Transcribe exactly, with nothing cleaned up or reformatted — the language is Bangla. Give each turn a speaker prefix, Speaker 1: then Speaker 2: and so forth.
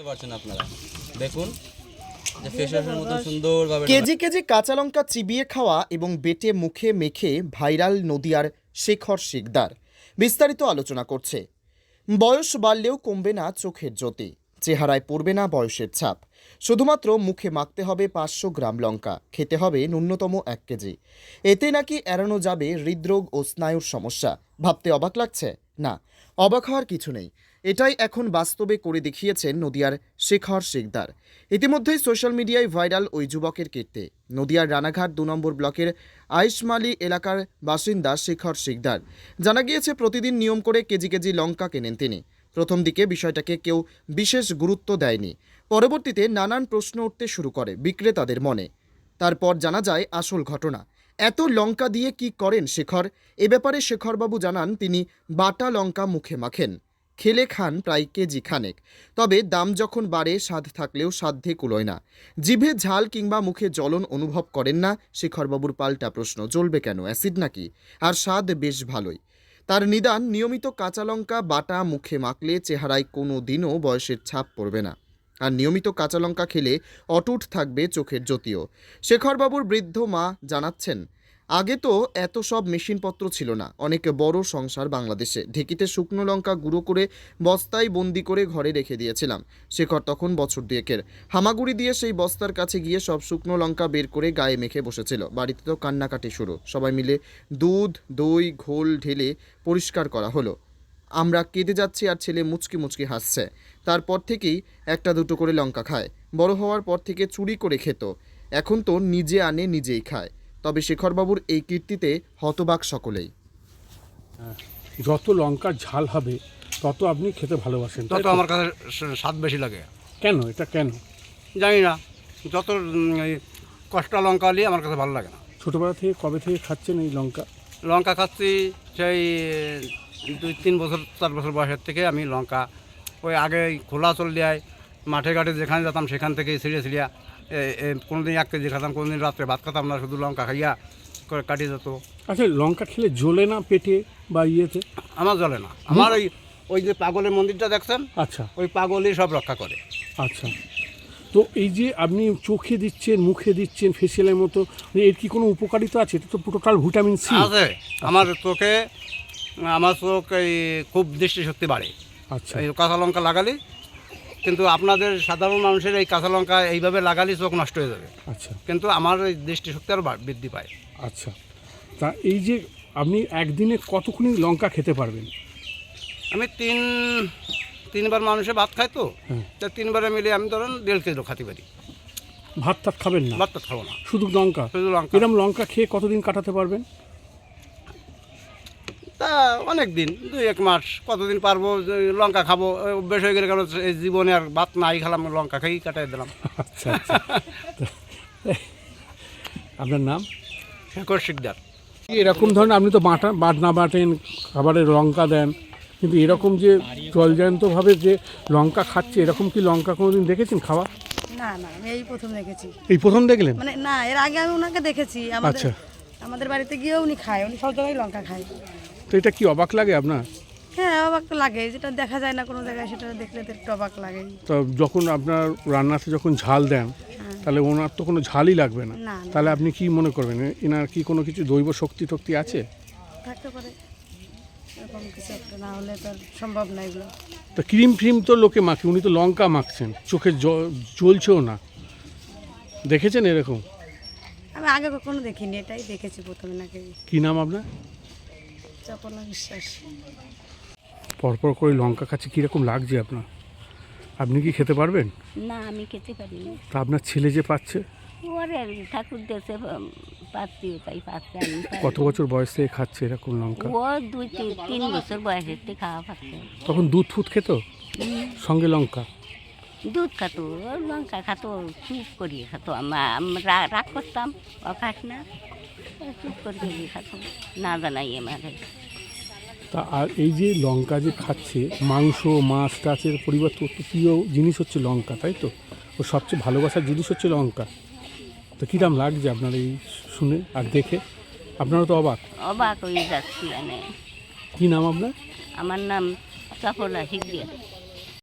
Speaker 1: পারছেন আপনারা দেখুন যে ফেসওয়াশের মতো সুন্দরভাবে
Speaker 2: কেজি কেজি কাঁচা লঙ্কা চিবিয়ে খাওয়া এবং বেটে মুখে মেখে ভাইরাল নদিয়ার শেখর শিকদার বিস্তারিত আলোচনা করছে। বয়স বাড়লেও কমবে না চোখের জ্যোতি, চেহারায় পড়বে না বয়সের ছাপ। শুধুমাত্র মুখে মাখতে হবে পাঁচশো গ্রাম লঙ্কা, খেতে হবে ন্যূনতম এক কেজি। এতে নাকি এড়ানো যাবে হৃদরোগ ও স্নায়ুর সমস্যা। ভাবতে অবাক লাগছে? না, অবাক হওয়ার কিছু নেই। এটাই এখন বাস্তবে করে দেখিয়েছেন নদিয়ার শেখর শিকদার। ইতিমধ্যেই সোশ্যাল মিডিয়ায় ভাইরাল ওই যুবকের কীর্তি। নদিয়ার রানাঘাট দু নম্বর ব্লকের আইশমালি এলাকার বাসিন্দা শেখর শিকদার। জানা গিয়েছে প্রতিদিন নিয়ম করে কেজি কেজি লঙ্কা কেনেন তিনি। প্রথম দিকে বিষয়টাকে কেউ বিশেষ গুরুত্ব দেয়নি। পরবর্তীতে নানান প্রশ্ন উঠতে শুরু করে বিক্রেতাদের মনে। তারপর জানা যায় আসল ঘটনা। এত লঙ্কা দিয়ে কি করেন শেখর? এ ব্যাপারে শেখরবাবু জানান তিনি বাটা লঙ্কা মুখে মাখেন, খেলে খান প্রায় কেজি খানেক। তবে দাম যখন বাড়ে স্বাদ থাকলেও সাধ্যে কুলোয় না। জিভে ঝাল কিংবা মুখে জ্বলন অনুভব করেন না শেখরবাবুর পাল্টা প্রশ্ন, জ্বলবে কেন, অ্যাসিড নাকি? আর স্বাদ বেশ ভালোই। তার নিদান, নিয়মিত কাঁচা লঙ্কা বাটা মুখে মাখলে চেহারায় কোনো দিনও বয়সের ছাপ পড়বে না। আর নিয়মিত কাঁচা লঙ্কা খেলে অটুট থাকবে চোখের জ্যোতিও। শেখরবাবুর বৃদ্ধ মা জানাচ্ছেন, আগে তো এত সব মেশিনপত্র ছিল না। অনেক বড় সংসার বাংলাদেশে। ঢেঁকিতে শুকনো লঙ্কা গুঁড়ো করে বস্তায় বন্দি করে ঘরে রেখে দিয়েছিলাম। শেখর তখন বছর দুয়েকের। হামাগুড়ি দিয়ে সেই বস্তার কাছে গিয়ে সব শুকনো লঙ্কা বের করে গায়ে মেখে বসেছিল। বাড়িতে তো কান্নাকাটি শুরু। সবাই মিলে দুধ দই ঘোল ঢেলে পরিষ্কার করা হলো। আমরা কেঁদে যাচ্ছি আর ছেলে মুচকি মুচকি হাসছে। তারপর থেকেই একটা দুটো করে লঙ্কা খায়। বড় হওয়ার পর থেকে চুরি করে খেত, এখন তো নিজে আনে নিজেই খায়। তবে শেখরবাবুর এই কীর্তিতে হতবাক সকলেই।
Speaker 3: যত লঙ্কার ঝাল হবে তত আপনি খেতে ভালোবাসেন, তাই
Speaker 4: তত
Speaker 3: তো?
Speaker 4: আমার কাছে স- স্বাদ বেশি লাগে।
Speaker 3: কেন, এটা কেন?
Speaker 4: জানি না, যত উম, এই কষ্টা লঙ্কা নিয়ে আমার কাছে ভালো লাগে না।
Speaker 3: ছোটোবেলা থেকে কবে থেকে খাচ্ছেন এই লঙ্কা?
Speaker 4: লঙ্কা খাচ্ছি সেই দুই তিন বছর চার বছর বয়সের থেকে আমি লঙ্কা ওই আগে খোলা চল দেয় মাঠে ঘাটে যেখানে যেতাম সেখান থেকে ছিঁড়ে ছিঁড়িয়া কোনো দিন এক কেজি খেতাম, কোনো দিন রাত্রে ভাত খেতাম না, শুধু লঙ্কা খাইয়া করে কাটিয়ে যেত।
Speaker 3: আচ্ছা, লঙ্কা খেলে জ্বলে না পেটে বা ইয়েতে?
Speaker 4: আমার জ্বলে না। আমার ওই ওই যে পাগলের মন্দিরটা দেখছেন,
Speaker 3: আচ্ছা
Speaker 4: ওই পাগলই সব রক্ষা করে।
Speaker 3: আচ্ছা, তো এই যে আপনি চোখে দিচ্ছেন মুখে দিচ্ছেন ফেসিয়ালের মতো, এর কি কোনো উপকারিতা আছে? এটা তো টোটাল ভিটামিন সি
Speaker 4: আছে। আমার চোখে আমার চোখ এই খুব দৃষ্টিশক্তি বাড়ে
Speaker 3: আচ্ছা
Speaker 4: এই কাঁচা লঙ্কা লাগালে। কিন্তু আপনাদের সাধারণ মানুষের এই কাঁচা লঙ্কা এইভাবে লাগালে চোখ নষ্ট হয়ে যাবে,
Speaker 3: আচ্ছা
Speaker 4: কিন্তু আমার এই দৃষ্টিশক্তি আরও বা- বৃদ্ধি পায়।
Speaker 3: আচ্ছা, তা এই যে আপনি একদিনে কতক্ষণ লঙ্কা খেতে পারবেন?
Speaker 4: আমি তিন তিনবার মানুষে ভাত খাই তো,
Speaker 3: হ্যাঁ।
Speaker 4: তা তিনবারে মিলে আমি ধরেন দেড় কিলো খাতে পারি।
Speaker 3: ভাত টাত খাবেন না,
Speaker 4: ভাত টাত খাবো না,
Speaker 3: শুধু লঙ্কা?
Speaker 4: শুধু লঙ্কা।
Speaker 3: এরকম লঙ্কা খেয়ে কতদিন কাটাতে পারবেন?
Speaker 4: তা অনেক দিন, দুই এক মাস, কতদিন পারবো। যে লঙ্কা খাবো এই অভ্যেস হয়ে গেলে, কারণ এই জীবনে আর ভাত নাই খেলাম, লঙ্কা খেয়েই কাটাই দিলাম।
Speaker 3: আচ্ছা আচ্ছা আপনার নাম?
Speaker 4: শেখর শিকদার।
Speaker 3: এরকম ধরনের আপনি তো বাটা বাটনা বাটেন, খাবারে লঙ্কা দেন, কিন্তু এরকম যে জলজান্তভাবে যে লঙ্কা খাচ্ছে, এরকম কি লঙ্কা কোনোদিন দেখেছেন খাওয়া?
Speaker 5: না না, আমি এই প্রথম দেখেছি।
Speaker 3: এই প্রথম দেখলেন?
Speaker 5: মানে না, এর আগে আমি ওনাকে দেখেছি। আমাদের
Speaker 3: আচ্ছা।
Speaker 5: আমাদের বাড়িতে গিয়েও উনি খায়, উনি সব জায়গায় লঙ্কা খায়।
Speaker 3: তো এটা কি অবাক লাগে আপনার?
Speaker 5: হ্যাঁ, অবাক তো লাগে, যেটা দেখা যায় না কোনো জায়গায়, সেটা দেখলে তো একটু অবাক লাগে।
Speaker 3: তো যখন আপনার রান্নাতে যখন ঝাল দেন, তাহলে ওনার তো কোনো ঝালই লাগবে না।
Speaker 5: না, না।
Speaker 3: তাহলে আপনি কি মনে করবেন, এনার কি কোনো কিছু দৈব শক্তি টক্তি আছে?
Speaker 5: থাকতে পারে এরকম কিছু একটা, না হলে তো আর সম্ভব না এগুলো।
Speaker 3: তো ক্রিম ফ্রিম তো লোকে মাখে, উনি তো লঙ্কা মাখছেন, চোখে জ- জ্বলছেও না। দেখেছেন এরকম?
Speaker 5: আমি আগে কখনো দেখিনি, এটাই দেখেছি প্রথমে। নাকি
Speaker 3: কি নাম আপনার?
Speaker 5: চপলা বিশ্বাস।
Speaker 3: পরপর করে লঙ্কা খাচ্ছে, কীরকম লাগছে আপনার? আপনি কি খেতে পারবেন?
Speaker 6: না, আমি খেতে পারি না।
Speaker 3: তা আপনার ছেলে যে পাচ্ছে,
Speaker 6: ওরে ঠাকুর দেশে পাচ্ছি, তাই পাচ্ছে। আমি পারি
Speaker 3: কত
Speaker 6: না।
Speaker 3: বছর বয়স থেকে খাচ্ছে এরকম লঙ্কা?
Speaker 6: ও দুই তিন তিন বছর বয়সের থেকে খাওয়া পাচ্ছে।
Speaker 3: তখন দুধ ফুট খেত সঙ্গে লঙ্কা?
Speaker 6: দুধ খাতো, ও লঙ্কা খাতো, চুপ করিয়ে খাতো। আমা- আমরা রাগ করতাম, ও খাস না, ও চুপ করিয়ে খাতো, না জানাই আমাকে।
Speaker 3: তা আর এই যে লঙ্কা যে খাচ্ছে, মাংস মাছ টাচের পরিবর্তে ওর তো প্রিয় জিনিস হচ্ছে লঙ্কা, তাই তো? ও সবচেয়ে ভালোবাসার জিনিস হচ্ছে লঙ্কা। তো কীরকম লাগছে আপনার এই শুনে আর দেখে? আপনারা তো অবাক।
Speaker 6: অবাক হয়ে যাচ্ছি। মানে
Speaker 3: কী নাম আপনার?
Speaker 6: আমার নাম চপলা শিখিয়ে।